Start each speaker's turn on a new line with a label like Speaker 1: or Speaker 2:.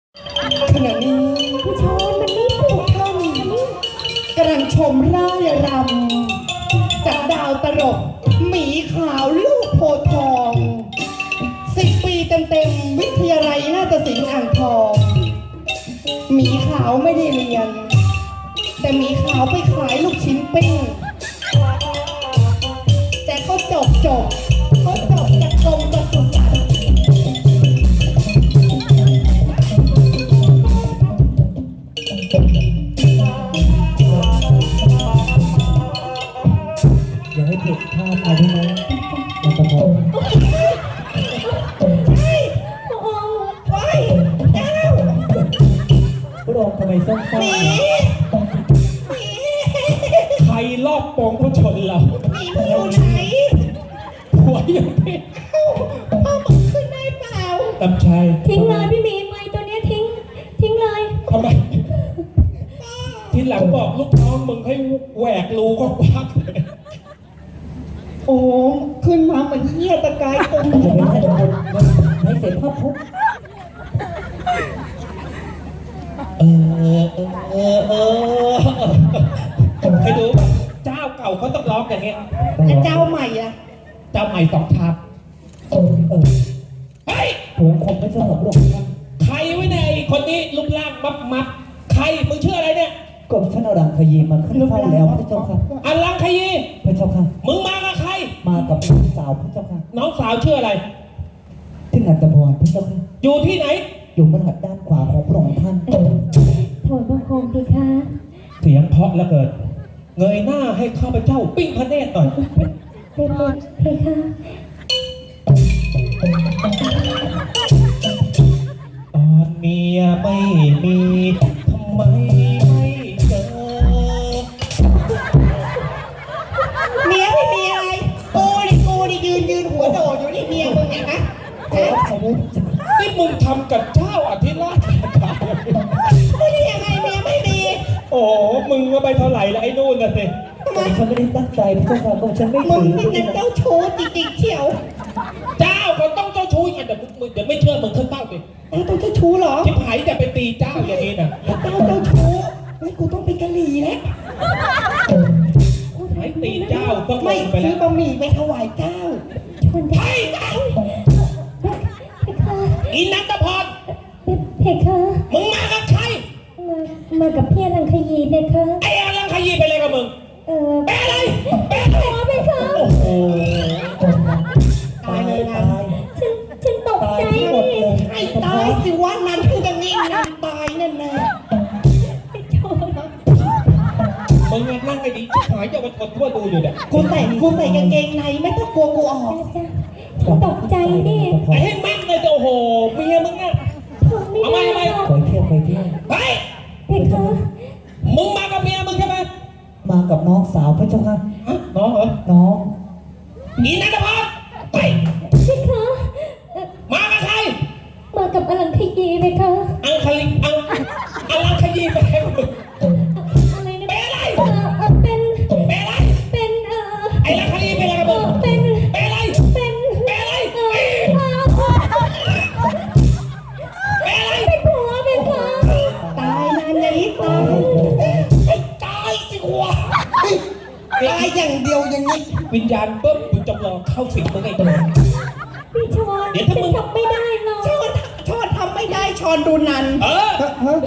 Speaker 1: ขณะนี้ผู้ชมมันนี่ผู้ท่านกำลังชมร่ายรำจากดาวตลกหมีขาวลูกโพธิ์ทอง10 ปีเต็มๆวิทยาลัยนาฏศิลป์อ่างทองหมีขาวไม่ได้เรียนแต่หมีขาวไปขายลูกชิ้นปิ้งแต่เขาจบจากกรมปศุสัตว์
Speaker 2: อย่าให้ผิดพลาดไปได้ไหมมันจะพอพระองค์ทำไมส้มๆนะ
Speaker 3: ใครลอบโปงพระชนเรา
Speaker 1: หมีมันอยู่ไหน
Speaker 3: หัวยังเพชร
Speaker 1: พ่อมึงขึ้นได้เปล่า
Speaker 3: ตำชัย
Speaker 4: ทิ้งเลยพี่หมีไม้ตัวเนี้ยทิ้งเลย
Speaker 3: ทำไมทีหลังบอกลูกน้องมึงให้แหวกรูก็พักเลย
Speaker 1: โอ้ขึ้นมาเหมือนเหี้ยตะกายตรง
Speaker 2: จะไม่ให้คนให้เสร็จภาพทุก
Speaker 3: ใครดูป่ะเจ้าเก่าเขาต้องร้องอย่างเงี้ย
Speaker 1: แล้วเจ้าใหม่อะ
Speaker 3: เจ้าใหม่2 ทับเฮ้ย
Speaker 2: ผมคงไม่ชอบพระองค์ท่าน
Speaker 3: ใครไว้ในยไอ้คนนี้รูปร่างมับใครมึงชื่ออะไรเนี่ย
Speaker 2: กรมท่านอรังคยีมาขึ้นเฝ้าแล้วพระเจ้าค่ะ
Speaker 3: อลังคยี
Speaker 2: พระเจ้าค่ะ
Speaker 3: มึงมากับใคร
Speaker 2: มากับน้องสาวพระเจ้าค่ะ
Speaker 3: น้องสาวชื่ออะไร
Speaker 2: ที่นันทพรพระเจ้าค่ะ
Speaker 3: อยู่ที่ไหน
Speaker 2: อยู่บนหัดด้านขวาของพระองค์ท่าน
Speaker 4: ถอนพระโคมดีค่ะ
Speaker 3: เสียงเพราะแล้วเกิดเงยหน้าให้ข้าพเจ้าปิ้งพระเนตรหน่อย
Speaker 4: เด็กๆเพคะ
Speaker 3: ตอนเมียไม่มีทำไมไม่เจอ
Speaker 1: เมียไม่มีอะไรกูดิยืนหัวโดดอยู่นี่เมียมึงเนี่ยนะ
Speaker 2: ขอขอบคุณ
Speaker 3: นี่มึงทำกับเจ้าอธิราช
Speaker 1: ไม่ได้ยังไงเมียไม่มี
Speaker 3: โอ้โหมึงก็ไปเท่าไหร่แล้วไอ้นู่นน่ะสิ
Speaker 1: ทำไม
Speaker 2: ฉันไม่ได้ตั้งใจพระเจ้าค่ะก็ฉันไม่
Speaker 1: มึ
Speaker 2: ถื
Speaker 1: ง
Speaker 2: อ
Speaker 1: เป็นเจ้าชู้จริงๆเชียว
Speaker 3: เจ้าก็ต้องเจ้าชู้กันแต่มึงเดี๋ยวไม่เชื่อมึงขึ้นเต้าดิ
Speaker 1: ต้องเจ้าชู้เหรอ
Speaker 3: ชิบหายจะไปตีเจ้าอย่างนี้นะ
Speaker 1: เจ้าชู้งั้นกูต้องเป็นกะหรี่แล้ว
Speaker 3: หายตีเจ้าต้องล
Speaker 1: ไม่
Speaker 3: งไป
Speaker 1: ซื้
Speaker 3: แล้
Speaker 1: อ
Speaker 3: ว
Speaker 1: บะหมี่ไปถวายเจ้า
Speaker 4: ชนได้
Speaker 1: เจ้า
Speaker 4: เพคะ
Speaker 3: อีนันทพร
Speaker 4: เพคะ
Speaker 3: มึงมากับใคร
Speaker 4: มากับพี่อลังคยีเพคะ
Speaker 3: ไอ้อลังขยีไปเลยกับมึง แปลอะไรแปลอะไร
Speaker 4: ขอเพคะ
Speaker 3: โอ้โห
Speaker 2: ตายเลยตาย
Speaker 4: ฉันตก
Speaker 2: ตาย
Speaker 4: ใจ
Speaker 2: ที่หมดเลย
Speaker 1: ไอ้ตายสิว่านั้นคือจะนิ่งนานตายแน่ๆ
Speaker 3: มึงนั่งไอ้ดีชิบหายจะมาทนทั่วดูอยู่เนี่ย
Speaker 1: กูใส่กางเกงในไม่ต้องกลัวกูออก
Speaker 4: ฉันตกใจดิ
Speaker 3: ไอ้ให้แม่งเลยโอ้โหเมียมึงเนี่ย
Speaker 4: ทนไม่ได้หรอก
Speaker 2: ไปเที่ยวไปเที่ยว
Speaker 3: เฮ้ย
Speaker 4: เพคะ
Speaker 3: มึงมากับเมียมึงใช่ไหม
Speaker 2: มากับน้องสาวพระเจ้าค่ะ
Speaker 3: ฮะน้องเหรอ
Speaker 2: น้อง
Speaker 3: อีนันทพรไป
Speaker 4: เพคะ
Speaker 3: มากับใคร
Speaker 4: มากับอลังคยีเพคะ
Speaker 3: อังคลิอังอลังขยีไปเลยมึง
Speaker 4: อะไรนะ
Speaker 3: เป็นอะไร
Speaker 4: เป็น
Speaker 3: เป็นอะไร
Speaker 4: เป็น
Speaker 3: ไอ้อลังขยีเป็นอะไรกับมึง
Speaker 4: เป็น
Speaker 3: เป็นอะไร
Speaker 4: เป็น
Speaker 3: เป็นอะไร เป็นอะไร
Speaker 4: เป็นผัวเป็นผัว
Speaker 1: ตายนานอย่างนี้ตาย
Speaker 3: ไอ้ตายสิวะ
Speaker 1: ตายอย่างเดียวอย่างนี้
Speaker 3: วิญญาณเบิ้มกูจำลองเข้าสิงมึงไอ้ตัว
Speaker 4: พี่ชอน
Speaker 3: เดี๋ยวถ้ามึง
Speaker 4: ฉันทำไม่ได้หรอก
Speaker 1: ชอนทำไม่ได้ชอนดูนัน
Speaker 3: เออ
Speaker 1: ฮะ